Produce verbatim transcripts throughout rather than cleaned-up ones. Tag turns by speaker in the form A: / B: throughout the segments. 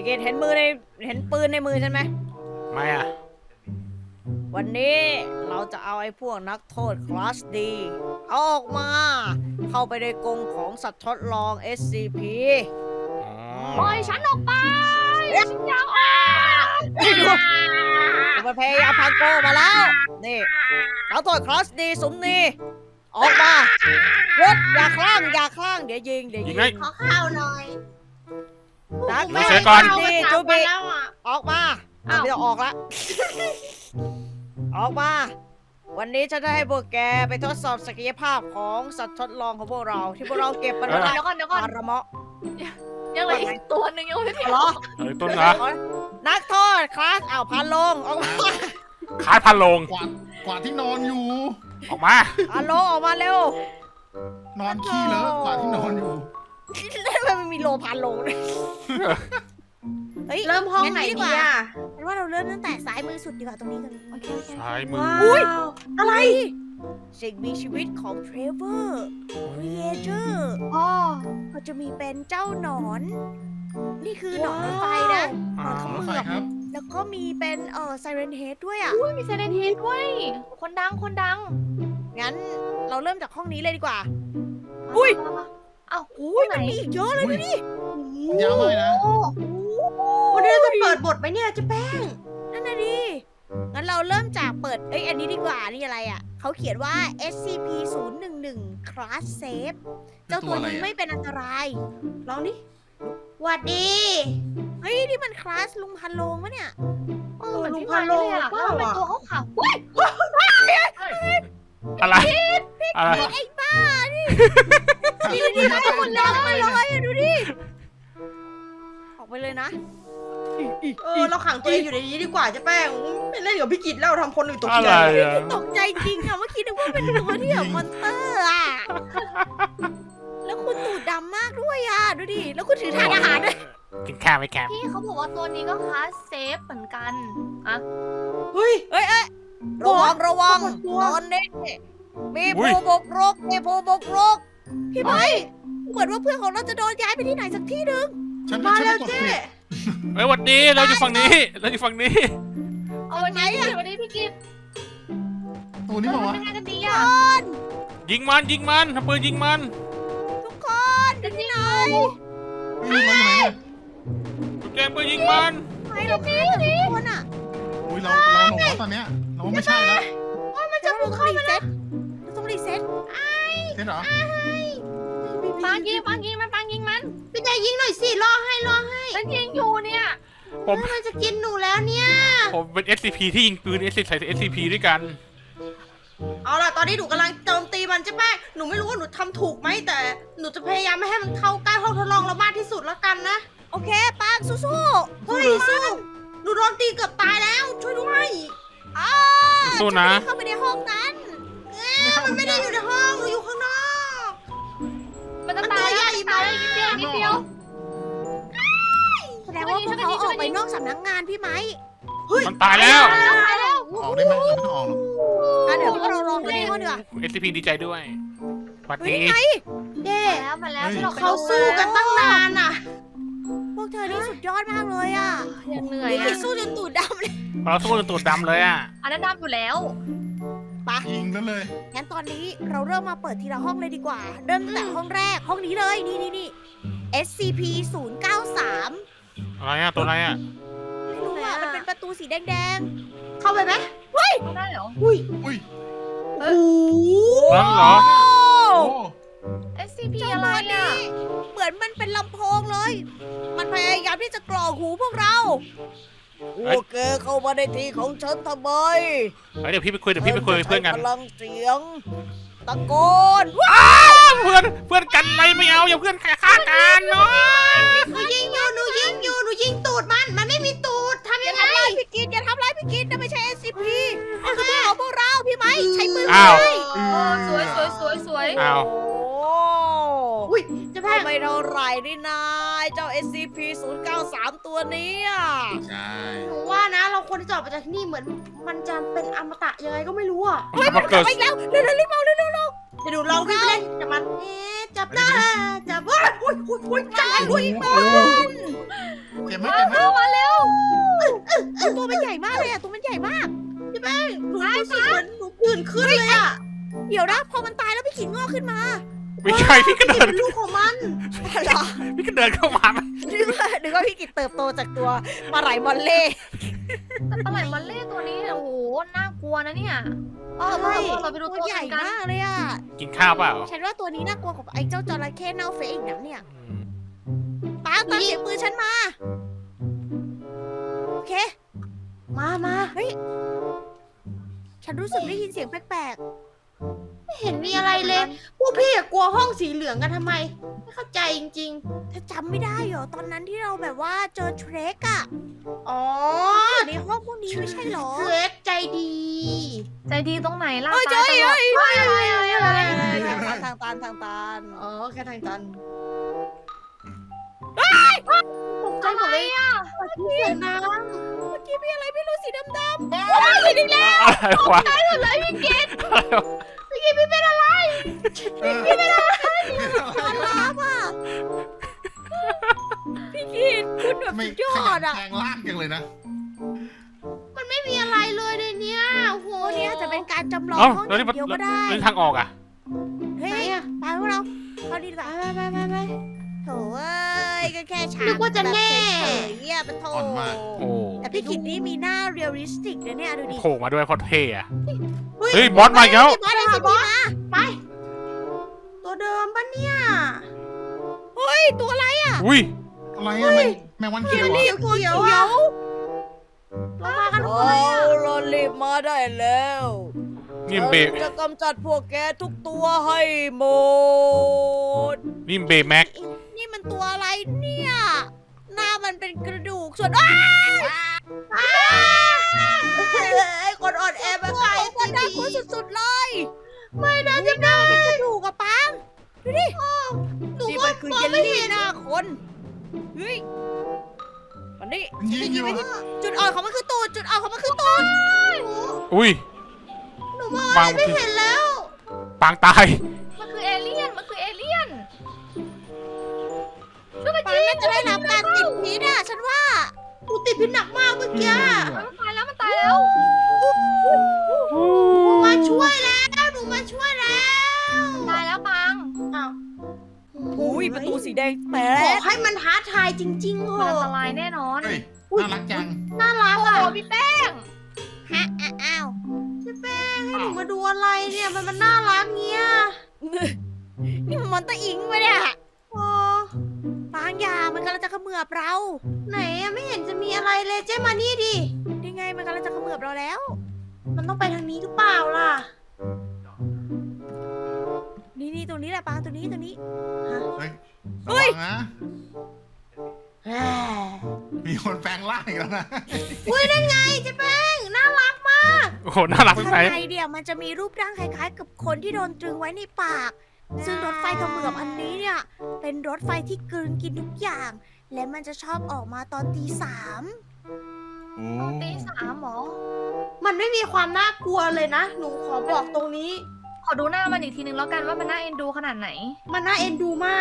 A: กิตเห็นมือในเห็นปืนในมือฉันไหม
B: ไม่อะ
A: วันนี้เราจะเอาไอ้พวกนักโทษคลาสดีเอาออกมา เข้าไปในกรงของสัตว์ทดลอง เอส ซี พี
B: อ๋อ
C: ปล่อยฉันออกไปฉันอยากออก
A: มันพยายามพังโกมาแล้ว นี่นักโทษคลาสดีสมนีออกมาหยุดอย่าคลั่งอย่าคลั่งเดี๋ยวยิงเดี๋ยว
B: ยิ
A: ยิ
B: ง
A: ง
B: ไง
D: ขอข้าวหน่อย
A: นัก
B: ไม่เสียก่อน
A: นี่
D: จู
A: จู
D: บี
A: บี
D: แล้วอ่ะ
A: ออกมาไม่ต้องออกละ ออกมา วันนี้ฉันจะให้พวกแกไปทดสอบศักยภาพของสัตว์ทดลองของพวกเรา ที่พวกเราเก็บมันไว้
C: เดี๋ยวก่อนเดี๋ยวก่อน
A: อาระเมาะ
C: ยังเหลืออีกตัวหนึ่งยังไม่ถึง
A: เหรอ
B: เอ้ยต้นนะ
A: นักโทษคลาสอ้าวพันลงออกมา
B: คาดพันลง
E: กวาดกวาดที่นอนอยู่
B: ออกมา
A: พันลงออกมาเร็วน
E: อนขี้เลอะกวาดที่นอนอยู่
A: ทำไมมันมีโลพันลงด้วยเฮ้ย
D: เริ่มห้องไหน
A: งั้
D: ดีอ่ะ
A: ฉันว่าเราเริ่มตั้งแต่ซ้ายมือสุดดีกว่าตรงนี้กันโอเคโอเค
B: ซ้ายมือ
D: ว้า
A: อุ๊ย
D: วอะไร
A: สิ่งมีชีวิตของเทรเวอร์ครีเอเตอร์
D: อ๋อ
A: เขาจะมีเป็นเจ้าหนอน นี่คือหนอนรถไฟนะหนอนเข
E: รถ
A: มื
E: ไฟ
A: อบ
E: ครับ
A: แล้วก็มีเป็นเอ่อไซเรนเฮดด้วยอ่ะ
C: อุ้ยมีเซเลนเฮดด้วย คนดังคนดัง
A: งั้นเราเริ่มจากห้องนี้เลยดีกว่า อุ้ย
C: เอ้า
A: อุ้ยมันมีอีกเยอะเลย
E: อุ้
A: ดู
E: ย
A: ดิ
E: ยาวมากเลยนะ
D: วันนี้เราจะเปิดบทไหมเนี่ยเจ๊แป้ง
A: นั่นน่ะดิงั้นเราเริ่มจากเปิด เอ้ย อันนี้ดีกว่า นี่อะไรอ่ะ เขาเขียนว่า เอส ซี พี ศูนย์หนึ่งหนึ่ง Class Safe เจ้าตัวนี้ไม่เป็นอันตราย
D: ลองดิหวัดดี
A: เฮ้ย นี่มันคลาสลุงพันโลงปะเนี่ย
C: เออเหมือน
D: ลุง
C: พี่
D: พั
C: มาน
D: โล
C: เลยอะ
D: เป
C: แล้
D: ล่าว
C: ทำไม
D: อะ
C: ตัวเขาขาวอุ้ย
B: อะไร อะไร
A: ไอ้บ้านี่นี่ดูดิมันหมดแล้วมาเลยอะดูดิ ออกไปเลยนะ
D: เออเราขังตัวเองอยู่ในนี้ดีกว่าเจ๊แป้งไม่เล่นกับพี่กิจแล้วทำคนอื่นตก
B: อะ
D: ใจ
B: ไรอะ
A: ตกใจจริงอะเมื่อกี้นึกว่าเป็นตัวที่แบบมอนเตอร์อะแล้วคุณตูดดำมากด้วยอะดูดิ แล้วคุณถือถาดอาหารด้วย
B: กินข้าวไหมแคม
C: พี่เขาบอกว่าตัวนี้ก็คลาสเซฟเหมือนกันอะ
D: เฮ้ย
A: เอ้ยเอ้ยระวังระวัง
D: กลัว
A: ตอนนี้มีผู้บุกรุกมีผู้บุกรุกพี่ไม้เหมือนว่าเพื่อนของเราจะโดนย้ายไปที่ไหนสักที่หนึ่ง
E: ฉัน
D: มา
E: ฉัน
D: แล้ว
E: ไปกด
D: เจ๊
E: ผิด
B: เฮ้ยหวันดีเราอยู่ฝั่งนี้ เราอยู่ฝั่งนี้
C: เอาวันนี้วันนี้พี่กิฟต์
E: ตัวนี้บอก
C: ทำ
E: ว่า
C: ยังไงกันดีอะ
B: ยิงมันยิงมันทำปืนยิงมัน
A: ทุกคนอยู่ที่ไหน
E: เฮ้ยเราอยู่ไหนอะ
B: จุดแจงปืนยิงมัน
A: ไหนเราฆ่าทุกคนอะ
E: อุ้ยเราเราหลงแล้วตอนเนี้ยเราว่าไม่ใช่แล้ว
A: มันจะบุกเข้ามาแล้วเราต้องรีเซ็ต
E: เห็นเหรอ
C: ปางยิงปางยิงมันปางยิงมัน
D: พี่นายยิงหน่อยสิรอให้รอให้
C: ฉันยิงอยู่เนี่ย
B: ผม
D: มันจะกินหนูแล้วเนี่ย
B: ผมเป็น เอส ซี พี ที่ยิงปืน เอส ซี ใส่ เอส ซี พี ด้วยกัน
D: เอาล่ะตอนนี้หนูกำลังโจมตีมันเจ๊แป้งหนูไม่รู้ว่าหนูทำถูกไหมแต่หนูจะพยายามไม่ให้มันเข้าใกล้ห้องทดลองเรามากที่สุดแล้วกันนะ
A: โอเคปางสู้
D: เฮ้ยสู้หนูโดนตีเกือบตายแล้ว ช่วยด้วย
A: ๆอ้า
B: สู้นะ
A: เข้าไปในห้องนั้น
E: ไม่เข้า
D: มันไม่ได้อยู่ในห้องหนูอยู่ข้างนอก
C: มันจะตายแล้วมันตายแล้วนิดเดียวนิดเดียว
A: แสดงว่าพวกเขาออกไปนอกสำนักงานพี่ไหม
B: มันตายแล้ว
C: ตายแล้ว
E: ออกได้ไหมเราไม่ต้องออกหรอก
A: อ่ะเดี๋ยวพวกเราลองไปในห้องดีกว่า
B: เอส ซี พี ดีใจด้วยหวัด
A: เฮ้ย
B: ดี
A: นี่ไง
D: เด้
C: มาแล้วมาแล้วฉันออกไป
D: เขาสู้กันตั้งนานอ่ะ
A: พวกเธอนี่สุดยอดมากเลยอ่ะ
C: ยังเหนื่อย
A: นี่คือ
C: อะ
A: สู้จนตูดดำเลย
B: เราสู้จนตูดดำเลยอ่ะ
C: อันนั้นดำอยู่แล้ว
E: ยิงซะเลย
A: งั้นตอนนี้เราเริ่มมาเปิดทีละห้องเลยดีกว่า เริ่มตั้งแต่ห้องแรกห้องนี้เลยนี่นี่นี่ เอส ซี พี ศูนย์เก้าสาม
B: อะไรอ่ะ ตัวอะไรอ่ะ
A: ไม่รู้อ่ะ มันเป็นประตูสีแดง
D: เข้าไปไหม
C: ไม่ได้เหรอ
D: อุ้ย
E: อุ้ย
D: โอ้โห
B: นั่นเหรอ
A: ๆ
E: โอ้
C: เอส ซี พี
A: เจ้า
C: อะไร
A: ตัว
C: อะ
A: นี้เหมือนมันเป็นลำโพงเลย มันพยายามที่จะกรอกหูพวกเรา
B: เฮ้ย
A: โอเคเข้ามาในที่ของฉันทำไม
B: เฮ้ยเดี๋ยวพี่ไปคุยเดี๋ยวพี่ไปคุยกับเพื่อนกัน
A: พลังเสียง ตะโกน
B: เพื่อนเพื่อนกันอะไรไม่เอาอย่าเพื่อนฆ่ากันเนาะ
D: หนูยิงอยู่หนูยิงอยู่หนูยิงตูดมัน มันไม่มีตูดทำ
A: อ
D: ยั
A: ย่าง
D: ไง
A: ทำร้ายพี่กินอย่าทำร้ายพี่กินนั่นไม่ใช่ เอส ซี พี มันคือพวกเราพวกเราพี่ไหมใช้ปืน
B: อ้าว
A: เลย
C: โอ้สวยสวยสวยสวย
B: อ้าว
A: โอ้
D: อุ้ยเจ๊แป้ง
A: ไม่เท่าไหร่นี่นายเจ้า เอส ซี พี ศูนย์เก้าสาม ตัวนี้อ่ะ
E: ใช่
D: หนูว่านะ เราควรที่จะออกไปจากที่นี่เหมือน มันจะเป็นอมตะยังไงก็ไม่รู้อ่ะ
A: เฮ้ยมันกลับมาอีกแล้วเร็วๆรีบเอาเร็วๆเร็ว
D: เดี๋ยวหนูลองวิ่งไปเล่นกับมันเอ๊ะจับได้จับว่าอุ้ยอุ้ยอุ้ยจับอุ้ย
A: ๆปืน
E: เจ็บไหมเจ็บไหม
C: มาเร็ว
A: ตัวมันใหญ่มากเลยอะตัวมันใหญ่มาก
D: พี่แป้งหนูรู้สึกเหมือนหนูผื่นขึ้นเลยอะ
A: เดี๋ยวนะพอมันตายแล้วพี่ขิงงอกขึ้นมา
B: ไม่ใช่พี่ก็เดิน
D: เป็นลูกของมัน
A: เหรอ
B: พี่ก็เดินเข้ามา
A: นึกว่านึกว่าพี่กิจเติบโตจากตัวปลาไหลมอลเล่
C: แต่ปลาไหลมอลเล่ตัวนี้เนี่ยโอ้โหน่ากลัวนะเนี่ยเออเราเราไปดู
A: ตั
C: ตัว ว
A: ใหญ่
C: กัน
A: มากเลยอะ
B: กินข้าวเปล่า
A: ฉันว่าตัวนี้น่ากลัวกว่าไอ้เจ้าจระเข้เน่าเฟะอีกนะเนี่ยป้าตามเสียงปืนฉันมาโอเค
D: มามา
A: ฉันรู้สึกได้ยินเสียงแปลก
D: ไม่เห็นมีอะไรเลย พวกพี่อะกลัวห้องสีเหลืองกันทำไม ไม่เข้าใจจริง
A: ๆเธอจำไม่ได้เหรอตอนนั้นที่เราแบบว่าเจอเทรคอะ
D: ๆ อ๋อ
A: ในห้องพวกนี้ไม่ใช่เหรอ
D: เล็กใจดี
C: ใจดีตรงไหนล่ะ
A: เอ้ย
C: ตายตลอด
A: เอ้ย
D: เอ้ยเอ้ยเอ้ยเอ้ย
A: ทางตันทางตัน
D: อ๋อแค่ทางตัน
C: ตกใจหมดเลยอ่ะ
D: เสียงน้
A: เมื่อกี้มีอะไรไม่รู้สีดำ
B: อะไรวะอะไรวะ
E: เออเป็นอะไร
A: ๆตอนลาบอะพี่กินคุณแบบ
E: ไม่
A: สุดยอ
E: ขยั
A: ด
E: น
A: อะ
E: แทงล่างจังเลยนะ
D: ำมันไม่มีอะไรเลยในเนี้ยโอ้โห
A: ตัวนี้อาจจะเป็นการจำลอง
B: เอ้า
A: ห้องอ
B: แล้วนี่
A: ย่างเดียวก็ได้
B: แล้วทางออกอ่ะ
A: เฮ้
D: ไหน
A: ย
D: อะ
A: ไปพวกเราเข้าดีกว่า
D: ไปไปไปไป
A: โถเอ้ยก็แค่ฉาก
D: นึกว่าจะแน่
A: บบเฉยๆเนี่ยมันโถ
E: อ่อนมาก
B: โอ้
A: แต่พี่กิดนี่มีหน้าเรียลลิสติกนะเนี่ยดูดิ
B: โผล่มาด้วยเพราะเท่อะ
D: เฮ้ย
B: เฮ้ยบอสมาอีกแล้ว
A: บอสไอซีพีมา
D: ไป ตัวเดิมปะเนี่ย
A: เฮ้ยตัวอะไรอ่ะ
B: อุ้ย
E: อะไรอะแมงแมงวันเขียวเหรอ
D: เขียวเขียวอะเรามากันทำไมอะ
A: เรารีบมาได้แล้ว
B: นี่มันเบ
A: ฉันจะกำจัดพวกแกทุกตัวให้หมด
B: นี่มันเบแม็ก
A: นี่มันตัวอะไรเนี่ย หน้ามันเป็นกระดูกส่วนอ้า
D: ไอ้คนอ่อนแอมาไกล
A: ตัวน่ากลัวสุดๆเลย ไม่นะจะหน้ามันเป็นกระดูกอะปังดูดิ
D: หนู
A: นี่
D: ว่า
A: มันคือ
D: มอง
A: เยล
D: ไม่
A: ลี่
D: เห็น
A: หน้าคนเฮ้ยมันนี่
E: มันยิงอยู่
A: จุดอ่อนของมันคือตูดจุดอ่อนของมันคือตูด
B: อุ้ย
D: หนูมอง
B: วา
D: อะ
B: ง
D: ไรไม่เห็นแล้ว
B: ปางตาย
C: มันคือเอเลี่ยนมันคือเอเลี่ยนช่วยกัน
A: ปั
C: ยิ
A: ง
C: ง
A: น่าจะได้รับการติดพิษอะฉันว่า
D: หนูติดพิษหนักมากเมื่อกี้
C: มันตายแล้วมันตายแล้ว
D: มาช่วยแล้วหนูมาช่วยแล้ว
C: ตายแล้วปัง
D: อ้าว
A: อุ้ยประตูสีแดงแป
D: ขอ
A: ด
D: ให้มันท้าทายจริงๆเห
C: มันอันต
D: อะ
C: รายแน่นอน
E: เฮ้ย น่ารักจัง
D: น่ารัก
C: โอ้
D: อ่ะ
C: โหพี่แป้ง
A: ฮะอ้าว
D: พี่แป้งให้หนูมาดูอะไรเนี่ยมันมันน่ารักเงี้ย
A: นี่มันมอนเตอร์อิงไปะเนี่ย
D: โอ้
A: บางอย่างมันกำลังจะเขมือบเรา
D: ไหนอะไม่เห็นจะมีอะไรเลยเจ๊มานี่ดิ
A: นี่ไงมันกำลังจะเขมือบเราแล้ว
D: มันต้องไปทางนี้หรือเปล่าล่ะ
A: นี่นี่ตรงนี้แหละปางตัวนี้ตัวนี้
E: เฮ้ย
A: เฮ้
E: ระ
A: ย
E: วังนะ มีคนแปลงร่างอีกแล้วนะ
D: อุ้ยนั่นไงเจ๊แป้งน่ารักมาก
B: โอ้โห น่ารักไป
A: ข้าง
B: ไหน
A: ในเดียวมันจะมีรูปร่างคล้ายๆ กับคนที่โดนตรึงไว้ในปาก ซึ่งรถไฟเขมือบอันนี้เนี่ย เป็นรถไฟที่กลืนกินทุกอย่าง และมันจะชอบออกมาตอนตีสาม
E: โอ้
C: ตีสามหมอ
D: มันไม่มีความน่ากลัวเลยนะ หนูขอบอกตรงนี้
C: ขอดูหน้ามันอีกทีนึงแล้วกันว่ามันน่าเอ็นดูขนาดไหน
D: มันน่าเอ็นดูมาก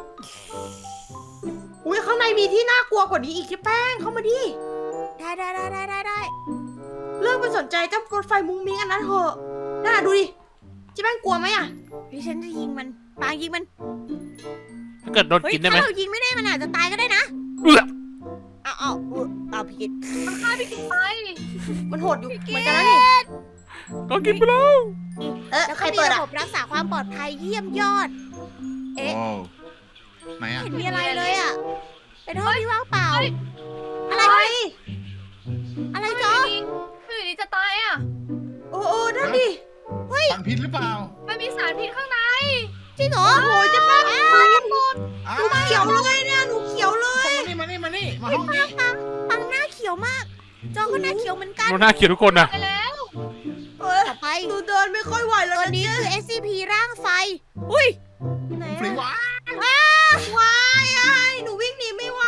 D: อุ้ยข้างในมีที่น่ากลัวกว่านี้อีกเจ๊แป้งเข้ามาดิ
A: ได้ได้ได้ได้ได้ได้
D: เรื่องไปสนใจเจ้ารถไฟมุ้งมิ้งอันนั้นเถอะน่าดูดิเจ๊แป้งกลัวไหมอะ
A: ดิฉันจะยิงมันปางยิงมัน
B: ถ้าเกิดโดน
A: เฮ้ย
B: กินได้ไหม
A: ถ้าเรายิงไม่ได้มันอาจจะตายก็ได้นะ
B: เอื้อ
A: เอาเอาเอาเอาผิด
C: มันฆ่าพี่กินไป
D: มันโหดอยู่เหมือนกันนะนี่
B: โดนกินไปแล้ว
D: เออ
A: แล้ว
D: ใค
A: ก็
D: ร
A: มี
D: เปิด
A: ระ
D: อะ
A: บบรักษาความปลอดภัยเยี่ยมยอด เอ๊ะ
E: โอ้ไหนอะ
A: ไม่เห็นมีอะไรเลยอ่ะ เป็นห้องที่ว่างเปล่า อะไร
D: เฮ้ย
A: อะไร
C: ไม่
A: จ๊อ
C: ดีไม่ดีจะตายอ่ะ
D: โอ้โอ้นั่นดิ
E: ฟันพิษหรือเปล่า
C: มันมีสารพิษข้างใน
A: จริงเหรอ
D: โอ้ยเจ๊แป้งมากันหมด
E: อ้า
D: หนูเขียวเลยเนี่ยหนูเขียวเลย
E: มานี่มานี่มานี่มาห้องนี้
A: ปังปังหน้าเขียวมาก จอก็หน้าเขียวเหมือนกัน
B: โดนหน้าเขียวทุกคนนะ
C: ไปแล้ว
D: เอ้ย
A: ต่อไป
D: หนูเดินไม่ค่อยไหวแล้ว
A: ตัว
D: นะ
A: นี้คือ เอส ซี พี ร่างไฟ อุ้ย
D: ไหน
E: ฟรี
D: อะ
E: วะ
D: วายไอ้หนูวิ่งหนีไม่ไหว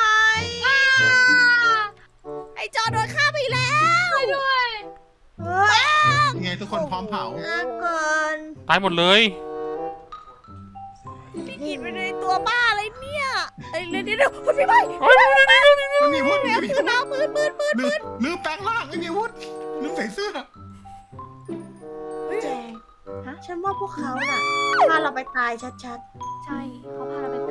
A: ไอจอโดนฆ่าไปแล้ว
C: ช่วยด้วย
D: เฮ้ย
E: ยังไงทุกคนพร้อมเผา
D: น่าเกิน
B: ตายหมดเลย
A: พี่กินไปในตัวบ้าอะไรเนี่ยไอ้เรื่องนี้เดี๋ยวพี่ไป
B: โอ้ยนี่นี่นี่
E: ไม่มีอาวุธไม่มี
A: ปื
E: อาน วุธ
A: เอาปืนปืนปืน
E: ลืมลืมแปลงร่างไม่มีอาวุธลืมใส่เสื้อ
D: แจง
C: ฮะ
D: ฉันว่าพวกเขาน่ะพาเราไปตายชัด
C: ใช่เขาพาเราไป